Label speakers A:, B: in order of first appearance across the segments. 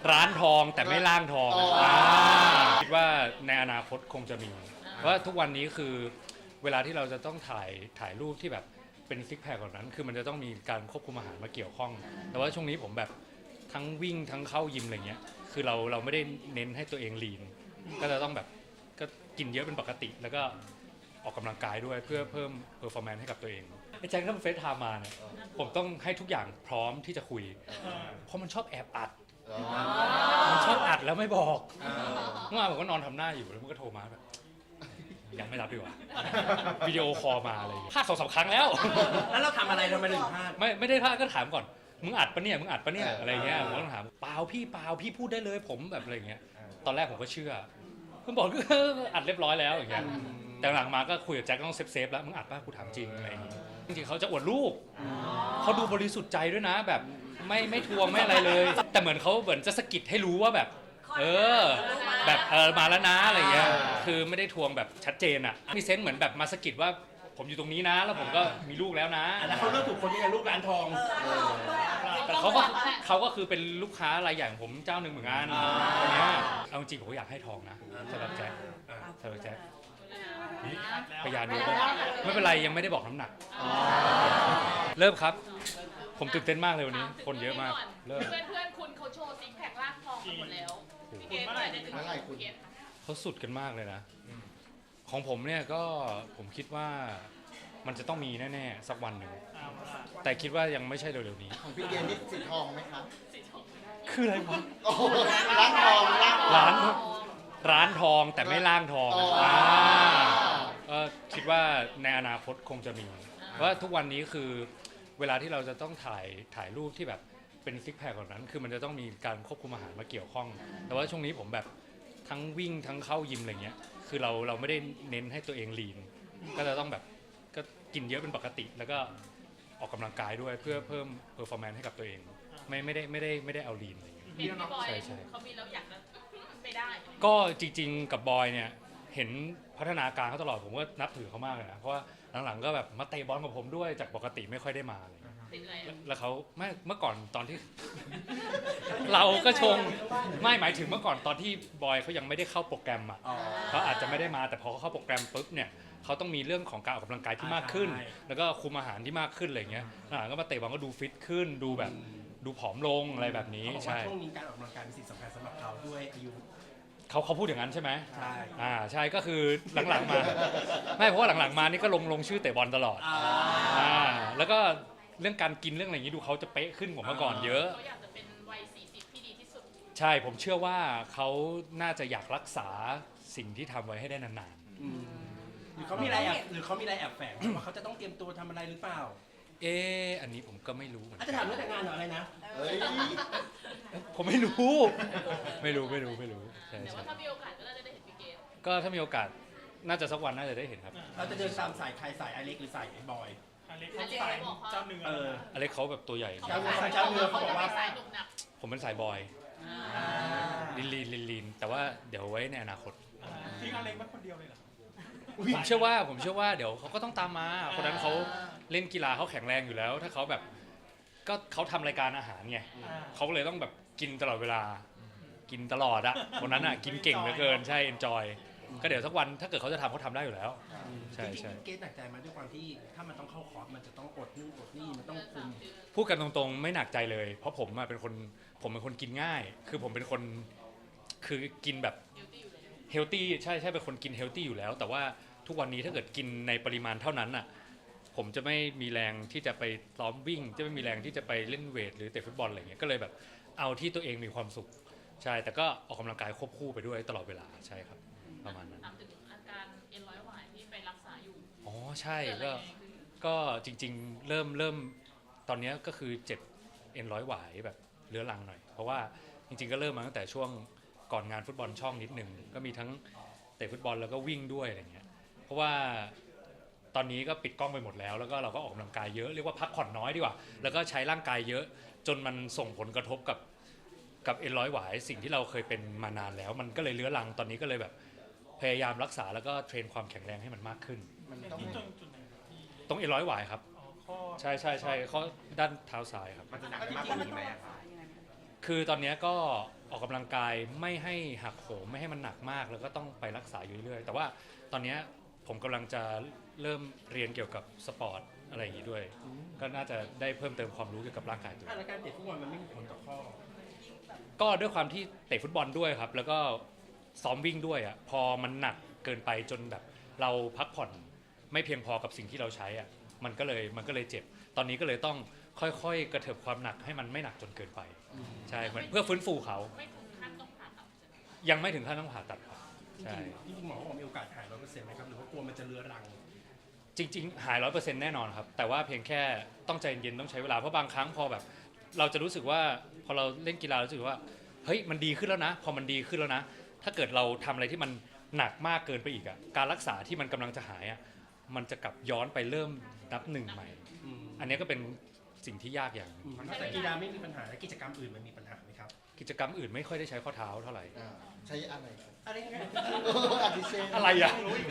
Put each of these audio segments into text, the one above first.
A: ร้านทองแต่ไม่ล่างทองคิดว่าในอนาคตคงจะมีเพราะว่าทุกวันนี้คือเวลาที่เราจะต้องถ่ายรูปที่แบบเป็นซิกแพคแบบนั้นคือมันจะต้องมีการควบคุมอาหารมาเกี่ยวข้องแต่ว่าช่วงนี้ผมแบบทั้งวิ่งทั้งเข้ายิมอะไรเงี้ยคือเราไม่ได้เน้นให้ตัวเองลีนก็จะต้องแบบก็กินเยอะเป็นปกติแล้วก็ออกกำลังกายด้วยเพื่อเพิ่มเพอร์ฟอร์แมนซ์ให้กับตัวเองไอ้แจ็คถ้ามันเฟซไทม์มาเนี่ยผมต้องให้ทุกอย่างพร้อมที่จะคุยเพราะมันชอบแอบอัดมันชอบอัดแล้วไม่บอกเมื่อวานผมก็นอนทำหน้าอยู่แล้วมันก็โทรมาแบบยังไม่รับดีกว่าวิดีโอคอลมาเลยพลาด2-3 ครั้งแล้ว
B: แล้วเราทำอะไรเราไม่ถึงพลาด
A: ไม่ได้พลาดก็ถามก่อนมึงอัดปะเนี่ยอะไรเงี้ยผมก็ต้องถามเปล่าพี่พูดได้เลยผมแบบอะไรเงี้ยตอนแรกผมก็เชื่อเพิ่งบอกก็อัดเรียบร้อยแล้วอย่างเงี้ยแต่หลังมาก็คุยกับแจ็คต้องเซฟแล้วมึงอัดป่ะกูถามจริงอะไรอย่างงี้จริงๆเขาจะอวดรูปเขาดูบริสุทธิ์ใจด้วยนะแบบไม่ทวงไม่อะไรเลยแต่เหมือนจะสะกิดให้รู้ว่าแบบแบบมาแล้วนะอะไรเงี้ยคือไม่ได้ทวงแบบชัดเจนอ่ะมีเซนส์เหมือนแบบมาสะกิดว่าผมอยู่ตรงนี้นะแล้วผมก็มีลูกแล้วนะ
B: แล้วเขาเลือกถูกคนที่เป็นลูกร้านทอง
A: แต่เขาก็คือเป็นลูกค้ารายใหญ่ของผมเจ้าหนึ่งเหมือนกันเนี้ยเอาจริงผมก็อยากให้ทองนะสำหรับแจ็คพยานดูไม่เป็นไรยังไม่ได้บอกน้ำหนักเริ่มครับผมตื่นเต้นมากเลยวันนี้คนเยอะมากเริ่ม
C: เพื่อนคุณเขาโชว์ซิกแพคล่างทองกันหมดแล้วพี่เกศเมื่อไหร่จะถึงพี่เกศ
A: เขาสุดกันมากเลยนะของผมเนี่ยก็ผมคิดว่ามันจะต้องมีแน่ๆสักวันหนึ่งแต่คิดว่ายังไม่ใช่เร็วๆนี้
D: ของพี่เกณฑ์นี่สีทองไหมครับ
A: คืออะไรวะ
D: ร้านทอง
A: ร้านทองแต่ไม่ล่างทองก็คิดว่าในอนาคตคงจะมีเพราะว่าทุกวันนี้คือเวลาที่เราจะต้องถ่ายรูปที่แบบเป็นซิกแพคแบบนั้นคือมันจะต้องมีการควบคุมอาหารมาเกี่ยวข้องแต่ว่าช่วงนี้ผมแบบทั้งวิ่งทั้งเข้ายิมอะไรเงี้ยคือเราไม่ได้เน้นให้ตัวเองลีนก็จะต้องแบบก็กินเยอะเป็นปกติแล้วก็ออกกำลังกายด้วยเพื่อเพิ่มเพอร์ฟอร์แมนซ์ให้กับตัวเองไม่ได้เอาลีนอะไรเงี้ย
C: พี่บอยเขามีแล้วอยากจะไม่ได้
A: ก็จริงๆกับบอยเนี่ยเห็นพัฒนาการเขาตลอดผมก็นับถือเขามากเลยนะเพราะว่าหลังๆก็แบบมาเตะบอลกับผมด้วยจากปกติไม่ค่อยได้มาเลยแล้วเขาไม่เมื่อก่อนตอนที่ เราก็ชงไม่หมายถึงเมื่อก่อนตอนที่บอยเขายังไม่ได้เข้าโปรแกรมอ่ะเขาอาจจะไม่ได้มาแต่พอเขาเข้าโปรแกรมปุ๊บเนี่ยเขาต้องมีเรื่องของการออกกำลังกายที่มากขึ้นแล้วก็คุมอาหารที่มากขึ้นอะไรเงี้ยก็มาเตะบอลก็ดูฟิตขึ้นดูแบบดูผอมลงอะไรแบบนี้ใช่
B: ช่วงนี้การออกกำลังกายเป็นสิ่งสำคัญสำหรับเขาด้วยอายุ
A: เขาพูดอย่างนั้นใช่ไหม
B: ใช่
A: ใช่ก็คือหลังๆมาไม่เพราะว่าหลังๆมานี่ก็ลงชื่อเตะบอลตลอดแล้วก็เรื่องการกินเรื่องอะไรอย่างนี้ดูเขาจะเป๊ะขึ้นกว่าเมื่อก่อนเยอะ
C: เขาอยากจะเป็นวัย40ที่ดีที่สุด
A: ใช่ผมเชื่อว่าเขาน่าจะอยากรักษาสิ่งที่ทำไว้ให้ได้นาน
B: หรือเขามีอะไรแอบแฝงว่าเขาจะต้องเตรียมตัวทำอะไรหรือเปล่า
A: อันนี้ผมก็ไม่รู้เหมือนกั
B: นอาจจะถามเรื่องแต่งงานหรืออะไรนะ
A: ผมไม่รู้ใช่
C: แต่ว่าถ้ามีโอกาสก็น่าจะได้เห็นพี่เกศ
A: ก็ถ้ามีโอกาสน่าจะสักวันน่าจะได้เห็นครับ
B: เราจะเดินตามสายใครสายอเล็กหรือสายบอย
C: อเล็กเขาสายเจ้าเนื้อ
A: อเล็กเขาแบบตัวใหญ่
B: เจ้าเนื้อเขาบอกว่า
A: ผมเป็นสายบอยลีนแต่ว่าเดี๋ยวไว้ในอนาคต
C: ทิ้งอเล็กไว้คนเดียวเลยเหรอ
A: ผมเชื่อว่าเดี๋ยวเขาก็ต้องตามมาคนนั้นเขาเล่นกีฬาเขาแข็งแรงอยู่แล้วถ้าเขาแบบก็เขาทำรายการอาหารไงเขาเลยต้องแบบกินตลอดเวลากินตลอดอะคนนั้นอะกินเก่งเหลือเกินใช่ enjoy ก็เดี๋ยวสักวันถ้าเกิดเขาจะทำเขาทำได้อยู่แล้วใช่
B: เกณฑ์หนักใจมาด้วยความที่ถ้ามันต้องเข้าคอร์สมันจะต้องอดนู่นอดนี่มันต้องคุม
A: พูดกันตรงๆไม่หนักใจเลยเพราะผมเป็นคนกินง่ายคือผมเป็นคนคือกินแบบเฮลตี้ใช่เป็นคนกินเฮลตี้อยู่แล้วแต่ว่าทุกวันนี้ถ้าเกิดกินในปริมาณเท่านั้นน่ะผมจะไม่มีแรงที่จะไปซ้อมวิ่งจะไม่มีแรงที่จะไปเล่นเวทหรือเตะฟุตบอลอะไรเงี้ยก็เลยแบบเอาที่ตัวเองมีความสุขใช่แต่ก็ออกกำลังกายควบคู่ไปด้วยตลอดเวลาใช่ครับประมาณนั้น
C: ถามถึงอาการเอ็นร้อยหวายที่ไปรักษาอยู่
A: ใช่ก็จริงๆเริ่มตอนนี้ก็คือเจ็บเอ็นร้อยหวายแบบเรื้อรังหน่อยเพราะว่าจริงๆก็เริ่มมาตั้งแต่ช่วงก่อนงานฟุตบอลช่องนิดนึงก็มีทั้งเตะฟุตบอลแล้วก็วิ่งด้วยอะไรเงี้ยเพราะว่าตอนนี้ก็ปิดกล้องไปหมดแล้วแล้วก็เราก็ออกกำลังกายเยอะเรียกว่าพักผ่อนน้อยดีกว่าแล้วก็ใช้ร่างกายเยอะจนมันส่งผลกระทบกับเอ็นร้อยหวายสิ่งที่เราเคยเป็นมานานแล้วมันก็เลยเรื้อรังตอนนี้ก็เลยแบบพยายามรักษาแล้วก็เทรนความแข็งแรงให้มันมากขึ้นตรงเอ็นร้อยหวายครับใช่ข้อด้านเท้าซ้ายครับ
D: มันจะหนักมากกว่านี้ไหมครับ
A: คือตอนนี้ก็ออกกำลังกายไม่ให้หักโหมไม่ให้มันหนักมากแล้วก็ต้องไปรักษาอยู่เรื่อยๆแต่ว่าตอนนี้ผมกำลังจะเริ่มเรียนเกี่ยวกับสปอร์ตอะไรอย่างนี้ด้วย ก็น่าจะได้เพิ่มเติมความรู้เกี่ยวกับร่างกายตัวเอง
B: แล้วการเตะฟุตบอลมันไม่มีผลต่อข้อ
A: ก็ด้วยความที่เตะฟุตบอลด้วยครับแล้วก็ซ้อมวิ่งด้วยอ่ะพอมันหนักเกินไปจนแบบเราพักผ่อนไม่เพียงพอกับสิ่งที่เราใช้อ่ะมันก็เลยเจ็บตอนนี้ก็เลยต้องค่อยๆกระเถิบความหนักให้มันไม่หนักจนเกินไปใช่เหมือนเพื่อฟื้นฟูเขา
C: ไม่ถึงขั้นต้องผ่าตัดใช่ไหม
A: ยังไม่ถึงขั้นต้องผ่าตัดครับใช่
B: จริงๆหมอบอกมีโอกาสหาย100%ไหมครับหรือว่ากลัวมันจะเรื้อรัง
A: จริงๆหาย 100% แน่นอนครับแต่ว่าเพียงแค่ต้องใจเย็นต้องใช้เวลาเพราะบางครั้งพอแบบเราจะรู้สึกว่าพอเราเล่นกีฬารู้สึกว่าเฮ้ยมันดีขึ้นแล้วนะพอมันดีขึ้นแล้วนะถ้าเกิดเราทำอะไรที่มันหนักมากเกินไปอีกอ่ะการรักษาที่มันกำลังจะหายอ่ะมันจะกลับย้อนไปเริ่มนับหนึ่งใหม่ อันนี้ก็เป็นสิ่งที่ยากอย่างหนึ่ง
B: นอกจากกีฬาไม่มีปัญหาแล้วกิจกรรมอื่นมันมีปัญหาไหมครับ
A: กิจกรรมอื่นไม่ค่อยได้ใช้ข้อเท้าเท่าไหร่
D: ใช้อะไรครับ
B: อะไรเงี้ย
D: อาทิเช่น
A: อะไรอ่ะ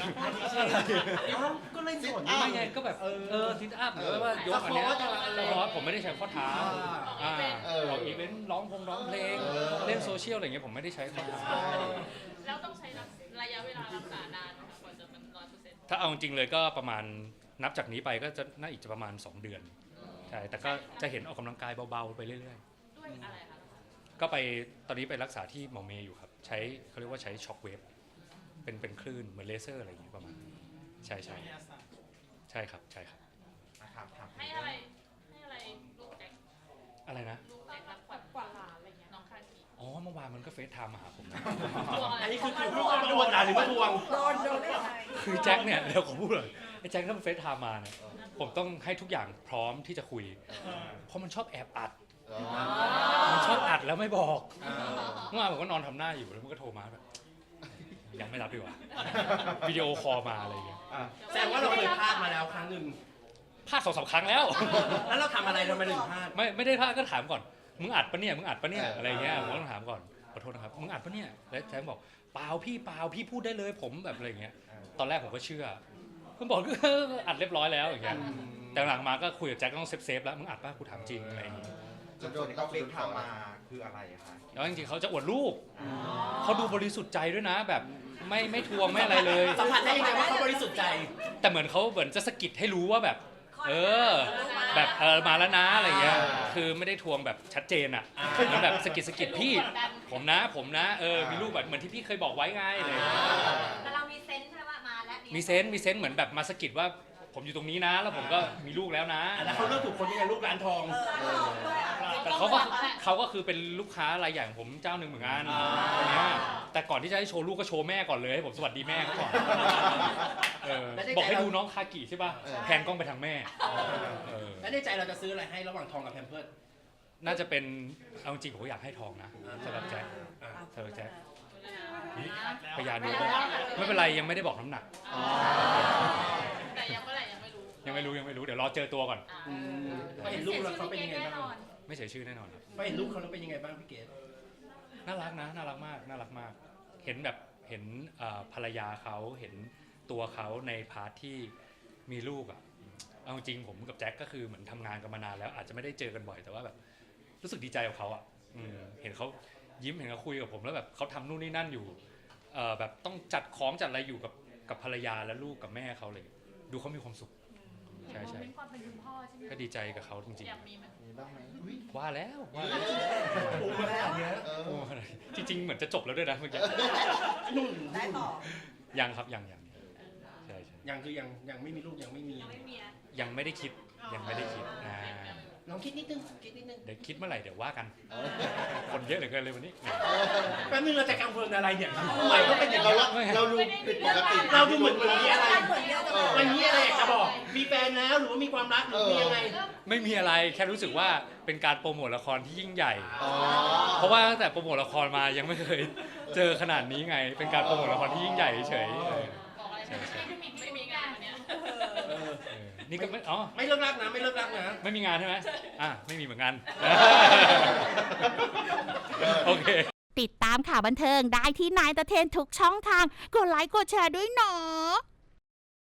B: ก็เล่นสวน
A: ไม่ไงก็แบบซิทอัพหรือว่ายกอันเนี้ยเพราะว่าผมไม่ได้ใช้ข้อเท้าเราอีเวนต์ร้องเพลงเล่นโซเชียลอะไรเงี้ยผมไม่ได้ใช้ข้อเท้า
C: แล้วต้องใช้ระยะเวลารักษานานไหมคะกว่าจะเป็น100%
A: ถ้าเอาจริงๆเลยก็ประมาณนับจากนี้ไปก็จะน่าอีกจะประมาณ2 เดือนใช่แต่ก็จะเห็นออกกำลังกายเบาๆไปเรื่อย
C: ด้วยอะไรคะ
A: ๆก็ไปตอนนี้ไปรักษาที่หมอเมย์อยู่ครับใช้เขาเรียกว่าใช้ช็อคเวฟเป็นคลื่นเหมือนเลเซอร์อะไรอย่างเงี้ยประมาณใช่ครับใช่ครับ
C: ให้อะไรลูกแจ็ค
A: อะไรนะ
C: ลูกแจ็ครับขวัญกว่าหลานอะไรเงี้ยน้องคาคี
A: อ๋อเมื่อวานมันก็เฟซไทม์มาหาผมนะ
C: ทวงอะไร
B: อันนี้คือลูกมาทวงหรือมาทวง
A: คือแจ็คเนี่ยเดี๋ยวผมพูดเลยไอ้แจ็คถ้ามันเฟซไทม์มาเนี่ยผมต้องให้ทุกอย่างพร้อมที่จะคุยเพราะมันชอบแอบอัดมันชอบอัดแล้วไม่บอกเมื่อวานผมก็นอนทำหน้าอยู่แล้วมันก็โทรมาแบบยังไม่รับดีกว่าวิดีโอคอลมาอะไรอย่างเงี้ย
B: แสดงว่าเราเคยพลาดมาแล้วครั้งหนึ่ง
A: พลาด2-3 ครั้งแล้ว
B: แล้วเราทำอะไรทำไมถึงพลาด
A: ไม่ได้พลาดก็ถามก่อนมึงอัดปะเนี่ยอะไรเงี้ยผมก็ต้องถามก่อนขอโทษนะครับมึงอัดปะเนี่ยแล้วแจ็คบอกเปล่าพี่พูดได้เลยผมแบบอะไรเงี้ยตอนแรกผมก็เชื่อผมบอกอัดเรียบร้อยแล้วอย่างเงี้ยแต่หลังมาก็คุยกับแจ็คต้องเซฟแล้วมึงอัดป่ะกูถามจริงอะไรอย่างเงี้ย
D: จะโดนเขาเฟซไทม์มาคืออะไรคะ
A: แล้วจริงๆเขาจะอวดรูปเขาดูบริสุทธิ์ใจด้วยนะแบบไม่ทวงไม่อะไรเลย
B: สัมผัสได้ยังไงว่าเขาบริสุทธิ์ใจ
A: แต่เหมือนเขาเหมือนจะสะกิดให้รู้ว่าแบบแบบมาแล้วนะอะไรเงี้ยคือไม่ได้ทวงแบบชัดเจนอ่ะมันแบบสะกิดพี่ผมนะมีรูปแบบเหมือนที่พี่เคยบอกไว้ไงอะไร
E: แต่เรามีเซนส์ใช่ไหมว่ามาแล้ว
A: มีเซนส์เหมือนแบบมาสะกิดว่าผมอยู่ตรงนี้นะ แล้วผมก็มีลูกแล้วนะ
B: แล้วเขาเลือกถูกคนยังไงลูกร้านทอง
A: แต่เขาก็คือเป็นลูกค้ารายใหญ่ของผมเจ้าหนึ่งเหมือนกันอย่างเงี้ยแต่ก่อนที่จะให้โชว์ลูกก็โชว์แม่ก่อนเลยให้ผมสวัสดีแม่เขาก่อนบอกให้ดูน้องคากิใช่ป่ะแพนกล้องไปทางแม่
B: แล้วในใจเราจะซื้ออะไรให้ระหว่างทองกับแพมเพิร์ส
A: น่าจะเป็นเอาจริงผมก็อยากให้ทองนะสำหรับแจ็คพยานดูไม่เป็นไรยังไม่ได้บอกน้ำหนัก
C: แต่ยังเมื่อไหร่ยังไม่รู้
A: ยังไม่รู้เดี๋ยวรอเจอตัวก่อน
B: พอเห็นลูกแล้วเขาเป็นยังไงบ้าง
A: ไม่เสียชื่อแน่นอนครับ
B: พอเห็นลูกเขาแล้วเป็นยังไงบ้างพี่เกด
A: น่ารักนะน่ารักมากเห็นภรรยาเขาเห็นตัวเขาในพาร์ทที่มีลูกอ่ะเอาจริงผมกับแจ็คก็คือเหมือนทำงานกันมานานแล้วอาจจะไม่ได้เจอกันบ่อยแต่ว่าแบบรู้สึกดีใจกับเขาอ่ะเห็นเขายิ้มเห็นเขาคุยกับผมแล้วแบบเขาทำนู่นนี่นั่นอยู่แบบต้องจัดของจัดอะไรอยู่กับภรรยาและลูกกับแม่เขาเลยดูเขามีความสุขใช่
C: ความเป็นคุณพ่อใช่ไหม
A: ก็ดีใจกับเขาจริง
C: อยากมีไหม
D: มีบ้างไหม
A: ๆว่าแล้ว
B: โอ้มาแล้วเนี้ย
A: จริงๆเหมือนจะจบแล้วด้วยนะเมื่อกี้
B: นุ่น
E: ได้ต่อ
A: ยังครับยังใช่
B: ยังคือยังไม่มีลูกยังไม่มี
E: ยังไม่มีนะ
A: ยังไม่ได้คิดนะ
B: ลองคิดนิดนึง
A: เดี๋ยวคิดเมื่อไหร่เดี๋ยวว่ากันคนเยอะเหลือเกินเลยวันนี้
B: แป๊บนึงเราจะกังวลอะไรเนี่ยทำไมก็เป็นอย่าง
D: เรา
B: นี้
D: เราดูผิดปกติ
B: เราดูเหมือนมีอะไร
E: เหมือนเดิม
B: วันนี้อะไรอยากจะบอกมีแฟนแล้วหรือว่ามีความรักหรือมียังไง
A: ไม่มีอะไรแค่รู้สึกว่าเป็นการโปรโมทละครที่ยิ่งใหญ่
D: อ๋อ
A: เพราะว่าตั้งแต่โปรโมทละครมายังไม่เคยเจอขนาดนี้ไง เป็นการโปรโมทละครที่ยิ่งใหญ่เฉย
C: บอกอะไรไม่มีงานวันเนี้ย
A: นี่ก็ไม่อ๋อ
B: ไม่เลิกรักนะไม่เลิกรักนะ
A: ไม่มีงานใช่ไหมไม่มีเหมือนกันโอเค
F: ติดตามข่าวบันเทิงได้ที่นายตะเทนทุกช่องทาง กดไลค์กดแชร์ด้วยเนาะ